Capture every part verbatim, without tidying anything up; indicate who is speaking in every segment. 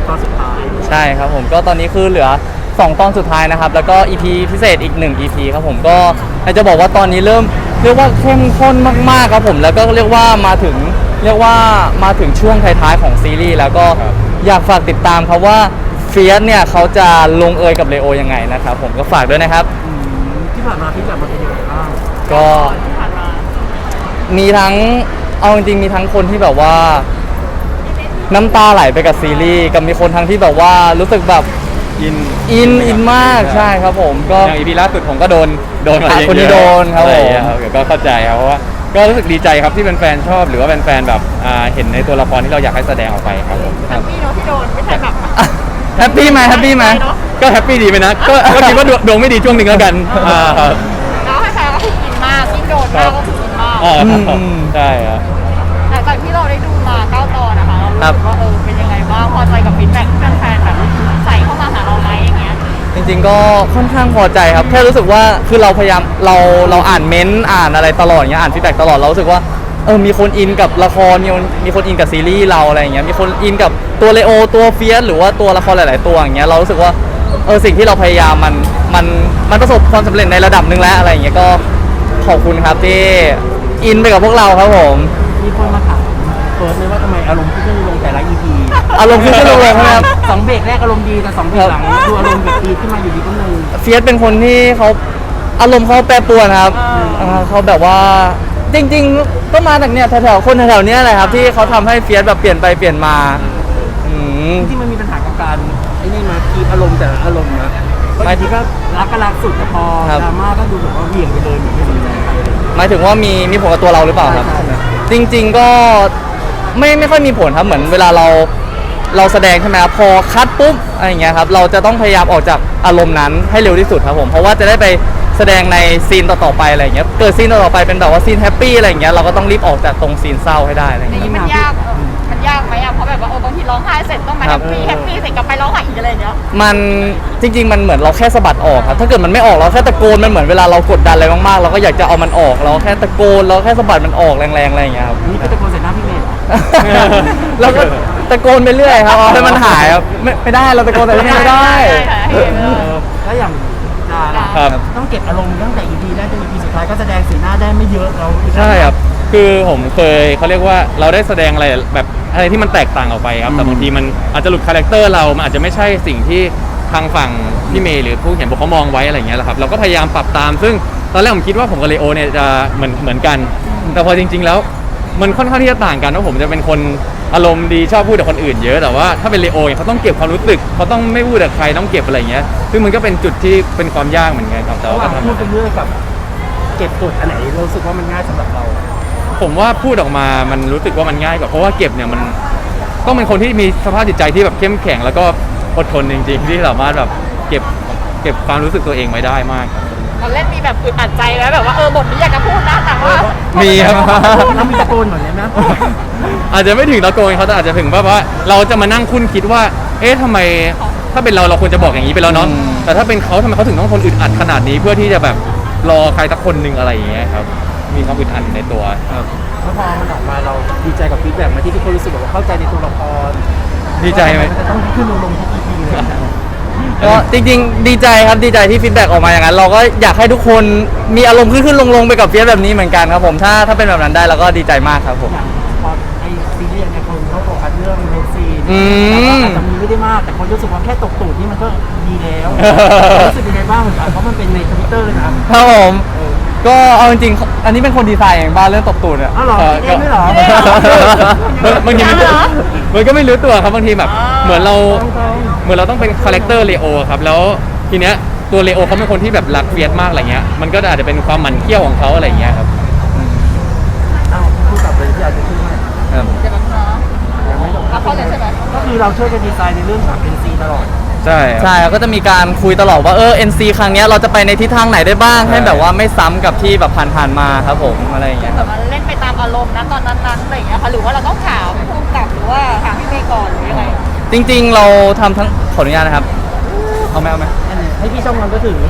Speaker 1: ตอนสุดท้าย
Speaker 2: ใช่ครับผมก็ตอนนี้คือเหลือสองตอนสุดท้ายนะครับแล้วก็ อี พี พิเศษอีกหนึ่ง อี พี ครับผมก็อยากจะบอกว่าตอนนี้เริ่มเรียกว่าเข้มข้นมากๆครับผมแล้วก็เรียกว่ามาถึงเรียกว่ามาถึงช่วงท้ายๆของซีรีส์แล้วก็อยากฝากติดตามครับว่าเฟียสเนี่ยเขาจะลงเอยกับเลโอยังไงนะครับผมก็ฝากด้วยนะครับ
Speaker 1: ที่ผ่านมาพี่แบบมันเป็นยังไงบ้าง
Speaker 2: ก็มีทั้งเอาจริงๆมีทั้งคนที่แบบว่าน้ำตาไหลไปกับซีรีส์กับมีคนทั้งที่แบบว่ารู้สึกแบบ
Speaker 3: อิน
Speaker 2: อินอินมากใช่ครับผมก็
Speaker 3: อย่างอีพีล่าสุดผมก็โดนโดนอะไรอย่างเงี้ย
Speaker 2: คนนี้โดนครับผม
Speaker 3: ก็เข้าใจครับเพราะว่าก็รู้สึกดีใจครับที่เป็นแฟนชอบหรือว่าเป็นแฟนแบบเห็นในตัวละครที่เราอยากให้แสดงออกไปครับผม
Speaker 4: แฮปปี้เนาะที่โดนไม่ใช่แบบ
Speaker 2: แฮปปี้ไหมแฮปปี้ไหม
Speaker 3: ก็แฮปปี้ดีไหมนะก็ก็คิดว่าดวงไม่ดีช่วงหนึ่งแล้วกัน
Speaker 4: แล้วให้แฟนก็คือกินมากที่โดนมากก็คือกินมาก
Speaker 3: ใช่ครับ
Speaker 4: หลังจากที่เราได้ดูมาเก้าตอนนะคะเรารู้สึกว่าเออเป็นยังไงบ้างพอใจกับฟีดแบ็กที่แฟนๆแบบใส่เข้ามาหาเราไหมอย่างเงี้ย
Speaker 2: จริงๆก็ค่อนข้างพอใจครับแค่รู้สึกว่าคือเราพยายามเราเราอ่านเม้นต์อ่านอะไรตลอดอย่างเงี้ยอ่านฟีดแบ็กตลอดเรารู้สึกว่าเออมีคนอินกับละครมีคนมีคนอินกับซีรีส์เราอะไรอย่างเงี้ยมีคนอินกับตัวเลโอตัวเฟียสหรือว่าตัวละครหลายๆตัวอย่างเงี้ยเรารู้สึกว่าเออสิ่งที่เราพยายามมันมันมันประสบความสำเร็จในระดับหนึ่งแล้วอะไรอย่างเงี้ยก็ขอบคุณครับที่อินไปกับพวกเราครับผม
Speaker 1: มีคนมาถามเฟิร์สเลยว่าทำไมอารมณ์ขึ้นลงแต่ละ อี พี
Speaker 2: อารมณ์ขึ้นลงเลยครับ
Speaker 1: สองเบรกแรกอารมณ์ดีแต่สองเบรกหลังดูอารมณ์แบบดีขึ้นมาอยู่ดีก็นึง
Speaker 2: เฟียสเป็นคนที่เขาอารมณ์เขาแปรปรวนครับเขาแบบว่าจริงๆก็มาจากเนี่ยแถวๆคนแถวๆเนี้ยแหละครับที่เขาทำให้เฟียสแบบเปลี่ยนไปเปลี่ยนมา
Speaker 1: ที่มันมีปัญหากับการไอ้นี่มาคีบอารมณ์แต่อารมณ์นะบางทีก็รักก็รักสุดแต่พอดราม่าก็ดูแบบว่าเหวี่ยงไปเลยเหมือนไม่สนใจใครเลย
Speaker 2: หมายถึงว่ามีมีผลกับตัวเราหรือเปล่าครับจริงๆก็ไม่ไม่ค่อยมีผลครับเหมือนเวลาเราเราแสดงใช่ไหมครับพอคัดปุ๊บอะไรอย่างเงี้ยครับเราจะต้องพยายามออกจากอารมณ์นั้นให้เร็วที่สุดครับผมเพราะว่าจะได้ไปแสดงในซีนต่อๆไปอะไรอย่างเงี้ยเกิดซีนต่อๆไปเป็นแบบว่าซีนแฮปปี้อะไรอย่างเงี้ยเราก็ต้องรีบออกจากตรงซีนเศร้าให้ได้อะไรอย่างเงี้ย
Speaker 4: มันยากมันยากไหมอ่ะเพราะแบบว่าโอ้บางทีร้องไห้เสร็จต้องมาแฮปปี้แฮปปี้เสร็จกลับไปร้องไห้อีกอะไรอย่างเงี้ย
Speaker 2: มันจริงๆมันเหมือนเราแค่สะบัดออกครับถ้าเกิดมันไม่ออกเราแค่ตะโกนมันเหมือนเวลาเรากดดันอะไรมากๆเราก็อยากจะเอามันออกเราแค่ตะโกนเราแค่สะบัดมันออกแรงๆอะไรอย่างเงี้ยครับ
Speaker 1: นี่ก็ตะโกนใส่หน้าพี่เมย์
Speaker 2: เราก็ตะโกนไปเรื่อยครับเอาให้มันหายครับไม่ไม่ได้เราตะโกนแต่ไม่ได้
Speaker 1: แล้วอย่างดาราต้องเก็บอารมณ์ตั้งแต่ อี พี แรกจน อี พี สุดท้ายก็แสดงสีหน้าได้ไม่เยอะเรา
Speaker 3: ใช่ครับคือผมเคยเขาเรียกว่าเราได้แสดงอะไรแบบอะไรที่มันแตกต่างออกไปครับแต่บางทีมันอาจจะหลุดคาแรคเตอร์เรามันอาจจะไม่ใช่สิ่งที่ทางฝั่งพี่เมย์หรือผู้เขียนบทเขามองไว้อะไรอย่างเงี้ยแหละครับเราก็พยายามปรับตามซึ่งตอนแรกผมคิดว่าผมกับเลโอเนี่ยจะเหมือนเหมือนกันแต่พอจริงๆแล้วมันค่อนข้างที่จะต่างกันว่าผมจะเป็นคนอารมณ์ดีชอบพูดกับคนอื่นเยอะแต่ว่าถ้าเป็นเลโอเนี่ยเขาต้องเก็บความรู้สึกเขาต้องไม่พูดกับใครต้องเก็บอะไรอย่างเงี้ยซึ่งมันก็เป็นจุดที่เป็นความยากเหมือนกันครับแต่ว่า
Speaker 1: พูดเป็นเรื่องกับเก็บกดอันไหนรู้สึกว่ามันง่ายสำหรับเรา
Speaker 3: ผมว่าพูดออกมามันรู้สึกว่ามันง่ายกว่าเพราะว่าเก็บเนี่ยมันต้องเป็นคนที่มีสภาพจิตใจที่แบบเข้มแข็งแล้วก็อดทนจริงๆที่สามารถแบบเก็บเก็บความรู้สึกตัวเองไว้ได้มาก
Speaker 4: ตอนเล่นมีแบบอึดอัดใจไหมแบบว่าเออบทนี้อยากจะพูดนะแต่ว่า
Speaker 3: มีครับ
Speaker 1: แล้วมีตะโกนเหมือนนี้นะ
Speaker 3: อาจจะไม่ถึงตะโกนเขาแต่อาจจะถึงว่าเราจะมานั่งคุ้นคิดว่าเอ๊ะทำไมถ้าเป็นเราเราควรจะบอกอย่างนี้ไปแล้วเนาะแต่ถ้าเป็นเขาทำไมเขาถึงต้องทนอึดอัดขนาดนี้เพื่อที่จะแบบรอใครสักคนหนึ่งอะไรอย่างเงี้ยครับมีความอึดอัดในตัว
Speaker 1: ครับแล้วพอมันออกมาเราดีใจกับฟีดแบ็กมาที่ทุกคนรู้สึกแบบว่าเข้าใจในตัวละคร
Speaker 3: ดีใจไหม
Speaker 1: มันจะต้องขึ้นลงลงทุก อี พี เลย
Speaker 2: ก็จริงๆดีใจครับดีใจที่ฟีดแบ็กออกมาอย่างนั้นเราก็อยากให้ทุกคนมีอารมณ์ขึ้นขึ้นลงลงไปกับเฟียสแบบนี้เหมือนกันครับผมถ้าถ้าเป็นแบบนั้นได้เราก็ดีใจมากครับผม
Speaker 1: พอไอซีรีส์เนี่ยคนเขาโฟกัสเรื่องเลิฟซีนอาจจะมีไม่ได้มากแต่คนรู้สึกว่าแค่ตกตูดนี่มันก็ดีแล้วรู้สึกยังไงบ้างเหมือนกันเพราะมันเป็นในทวิตเตอร์เลยนะครับ
Speaker 2: ผมก็เอาจริงๆอันนี้เป็นคนดีไซน์เองบ้านเรื่องตบตูดเนี่ย
Speaker 1: อ๋อเหรอเองไม่เหร
Speaker 3: อบางทีมันมันก็ไม่รู้ตัวครับบางทีแบบเหมือนเราเหมือนเราต้องเป็นคาแรคเตอร์เลโอครับแล้วทีเนี้ยตัวเลโอเขาเป็นคนที่แบบรักเฟียสมากอะไรเงี้ยมันก็อาจจะเป็นความหมั่นเคี้ยวของเขาอะไรเงี้ยครับ
Speaker 1: อ้าวพูดกลับเลยที่อาจจะขึ้นมา
Speaker 4: ครับเดี๋ยวแบบน้องแล้วเขาเลยใช่ไหม
Speaker 1: ก็คือเราช่วยกันดีไซน์ในเรื่องของ เอ็น ซี ตลอด
Speaker 2: ใช่ใช่ก็จะมีการคุยตลอดว่าเออ เอ็น ซี ครั้งนี้เราจะไปในทิศทางไหนได้บ้างให้แบบว่าไม่ซ้ำกับที่แบบผ่านๆมาครับผมอะไรอย่างเงี้ย
Speaker 4: แบบเล่นไปตามอารมณ์นะตอนนั้นๆอะไรอย่างเงี้ยค่ะหรือว่าเราต้องถามผู้กำกับหรือว่าถามพี่เมย์ก่อนหรือยังไง
Speaker 2: จริงๆเราทำทั้งขออนุญาตนะครับเอาไหมเอาไหม
Speaker 1: ให้พี่ช่องมันก็ถึง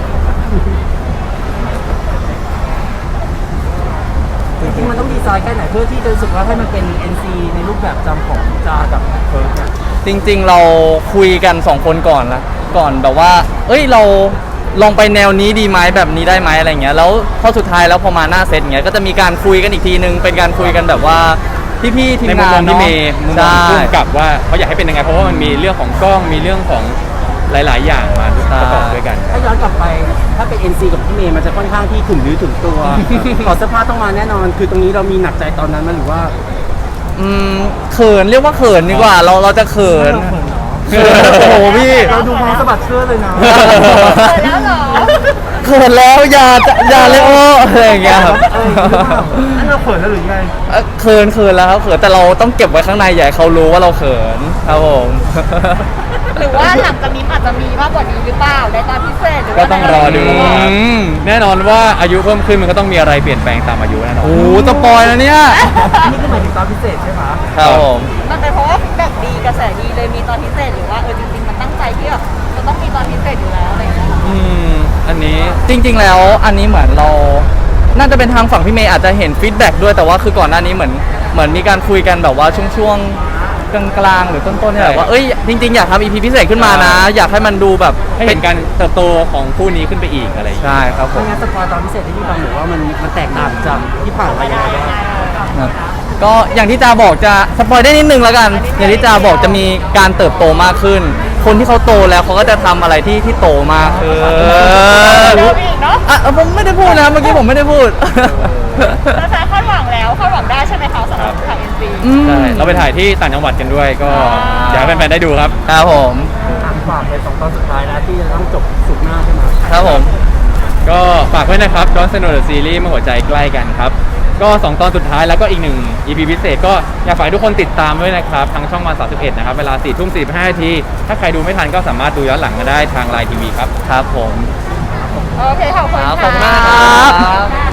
Speaker 1: จริงๆมันต้องดีไซน์แค่ไหนเพื่อที่จะรู้สึกว่าให้มันเป็น เอ็น ซี ในรูปแบบจำของจากับเฟิร์สเนี่ย
Speaker 2: จจริงๆเราคุยกันสองคนก่อนละก่อนแบบว่า เอ้ยเราลองไปแนวนี้ดีไหมแบบนี้ได้ไหมอะไรเงี้ยแล้วพอสุดท้ายแล้วพอมาหน้าเซตเงี้ยก็จะมีการคุยกันอีกทีนึงเป็นการคุยกันแบบว่าพี่ๆทีม
Speaker 3: ในมุม
Speaker 2: งาม
Speaker 3: อง
Speaker 2: น
Speaker 3: พี่
Speaker 2: เนาะ
Speaker 3: เมย์มุมมอง
Speaker 2: ใช่
Speaker 3: พุ่มกับว่าเขาอยากให้เป็นยังไงเพราะว่ามันมีเรื่องของกล้องมีเรื่องของหลาย ๆ อย่างมาประกอบด้วยกัน
Speaker 1: ถ้าย้อนกลับไปถ้าเป็น เอ็น ซี กับพี่เมย์มันจะค่อนข้างที่ถึงหรือถึงตัว ขอเสื้อผ้าต้องมาแน่นอน คือตรงนี้เรามีหนักใจตอนนั้นไหมหรือว่า
Speaker 2: อืมเขินเรียกว่าเขินดีกว่า เราเราจะเขิน
Speaker 1: เขินเหรอ
Speaker 2: โอ้โหพี่
Speaker 1: เราดูพร้อมสะบัดเสื้อเลยนะ
Speaker 4: เออแล้วเหรอ
Speaker 2: เขินแล้วอย่าจะอย่าเลยโอ้อะไรอย่างเงี้ยครับ
Speaker 1: เอออย่างนี้หรือเปล่าอันเราเขินแล้วหรือยังไง
Speaker 2: เอ่อเขินเขินแล้วครับเขินแต่เราต้องเก็บไว้ข้างในอย่าให้เขารู้ว่าเราเขินครับผม
Speaker 4: หรือว่าหลังจากนี้อาจจะมีมากกว่านี้หรือเปล่าในตอนพิเศษหรือ
Speaker 3: ก็
Speaker 4: ว่า
Speaker 3: ต้องรอดู
Speaker 2: อืม
Speaker 3: แน่นอนว่าอายุเพิ่มขึ้นมันก็ต้องมีอะไรเปลี่ยนแปลงตามอายุแน่นอน
Speaker 2: โอ้โหสปอยแล้วเนี่ย
Speaker 1: อันนี้ก็หมายถึงตอนพิเศษใช่ไหม
Speaker 2: ครับผม
Speaker 4: มันเป็นเพราะว่าแบบดีกระแสดีเลยมีตอนพิเศษหรือว่าเออจริงๆมันตั้งใจที่แบบจะต้องมีตอนพิเศษอยู่แล้วอะไรอย่างเงี้ย
Speaker 3: อืมอันนี้
Speaker 2: จริง ๆ แล้วอันนี้เหมือนเรา น่าจะเป็นทางฝั่งพี่เมย์อาจจะเห็นฟีดแบ็กด้วยแต่ว่าคือก่อนหน้านี้เหมือนเหมือนมีการคุยกันแบบว่าช่วงๆกลางๆหรือต้นๆเนี่ยแหละว่าเอ้ยจริง ๆ อยากทำอีพีพิเศษขึ้นมานะ อยากให้มันดูแบบ
Speaker 3: ให้เห็นการเติบโตของคู่นี้ขึ้นไปอีกอะไรอย่างเงี้ย
Speaker 2: ใช่ครับผ
Speaker 1: ไม่
Speaker 2: ม
Speaker 1: งั้นสปอยตอนพิเศษที่พี่ฟังหรือว่ามันมันแตกต่างจากที่ผ่านมายังไงบ้าง
Speaker 2: ครับก็อย่างที่จาบอกจะสปอยได้นิดนึงแล้วกัน อย่างที่จาบอกจะมีการเติบโตมากขึ้น คนที่เขาโตแล้วเขาก็จะทำอะไรที่ที่โตมากขึ้น
Speaker 4: เริ่มอีกเนาะ
Speaker 2: อ่ะผมไม่ได้พูดนะเมื่อกี้ผมไม่ได้พูด
Speaker 4: แฟนๆคาดหวังแล้วคาดหวังได้ใช่ไหมคะสำหรับทางเอ็นซี
Speaker 2: อืม
Speaker 3: ใช่เราไปถ่ายที่ต่างจังหวัดกันด้วยก็
Speaker 4: อ่า
Speaker 3: อยากให้แฟนๆได้ดูครับ
Speaker 2: ครับผม
Speaker 1: อ่ะฝากเป็นสองตอนสุดท้ายนะที่จะต้องจบสุกร์หน้าใช่ไหม
Speaker 2: ครับผม
Speaker 3: ก็ฝากไว้นะครับดอนสโนว์ซีรีส์เมื่อหัวใจใกล้กันครับ ก็สองตอนสุดท้ายแล้วก็อีกหนึ่ง อี พี พิเศษก็อยากฝากให้ทุกคนติดตามด้วยนะครับทางช่องวันสามสิบเอ็ดนะครับเวลาสี่ทุ่มสี่สิบห้านาทีถ้าใครดูไม่ทันก็สามารถดูย้อนหลังมาได้ทางไลน์ทีวีครับ
Speaker 2: ครับผม
Speaker 4: โอเคขอบคุณ
Speaker 2: ครับ
Speaker 4: ค่ะ
Speaker 2: ขอบคุณมากครับ